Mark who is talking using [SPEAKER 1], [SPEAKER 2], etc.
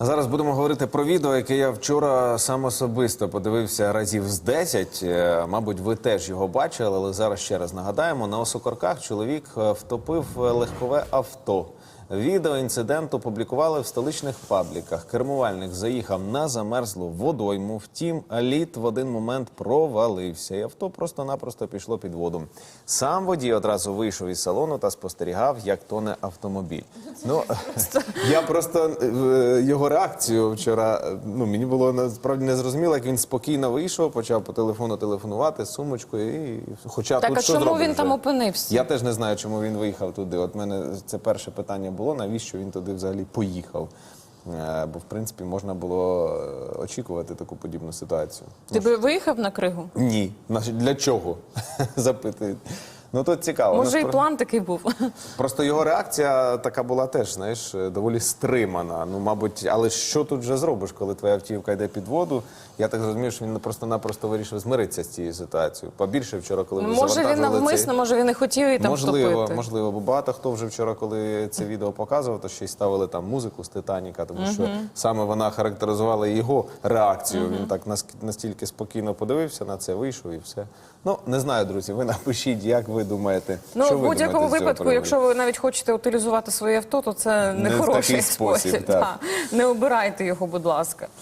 [SPEAKER 1] А зараз будемо говорити про відео, яке я вчора сам особисто подивився разів з 10. Мабуть, ви теж його бачили, але зараз ще раз нагадаємо. На Осокорках чоловік втопив легкове авто. Відео інциденту публікували в столичних пабліках. Кермувальник заїхав на замерзлу водойму, втім, лід в один момент провалився, і авто просто-напросто пішло під воду. Сам водій одразу вийшов із салону та спостерігав, як тоне автомобіль. Ну, я просто його реакцію вчора, мені було насправді незрозуміло, як він спокійно вийшов, почав по телефону телефонувати з сумочкою. Хоча
[SPEAKER 2] так,
[SPEAKER 1] тут
[SPEAKER 2] а
[SPEAKER 1] що
[SPEAKER 2] чому
[SPEAKER 1] зробиш
[SPEAKER 2] він там
[SPEAKER 1] вже?
[SPEAKER 2] опинився?
[SPEAKER 1] Я теж не знаю, чому він виїхав туди. От мене це перше питання було, навіщо він туди взагалі поїхав. Бо, в принципі, можна було очікувати таку подібну ситуацію.
[SPEAKER 2] Ти би виїхав на Кригу?
[SPEAKER 1] Ні. Для чого? Запитують. Ну, тут цікаво.
[SPEAKER 2] Може, і план такий був.
[SPEAKER 1] Просто його реакція така була теж, знаєш, доволі стримана. Ну, мабуть, але що тут вже зробиш, коли твоя автівка йде під воду? Я так розумію, що він просто-напросто вирішив змиритися з цією ситуацією. Побільше вчора, коли ви
[SPEAKER 2] Може, він навмисно, може, він не хотів її там втопити.
[SPEAKER 1] Можливо, бо багато хто вже вчора, коли це відео показував, то ще й ставили там музику з «Титаніка», тому що саме вона характеризувала його реакцію. Він так настільки спокійно подивився на це, вийшов і все. Ну, не знаю, друзі, ви напишіть, як ви думаєте,
[SPEAKER 2] Ну,
[SPEAKER 1] що
[SPEAKER 2] в
[SPEAKER 1] ви
[SPEAKER 2] будь-якому
[SPEAKER 1] думаєте з цього
[SPEAKER 2] випадку,
[SPEAKER 1] приводу?
[SPEAKER 2] якщо ви навіть хочете утилізувати своє авто, то це не
[SPEAKER 1] Не в
[SPEAKER 2] хороший
[SPEAKER 1] такий спосіб, так.
[SPEAKER 2] Не обирайте його, будь ласка.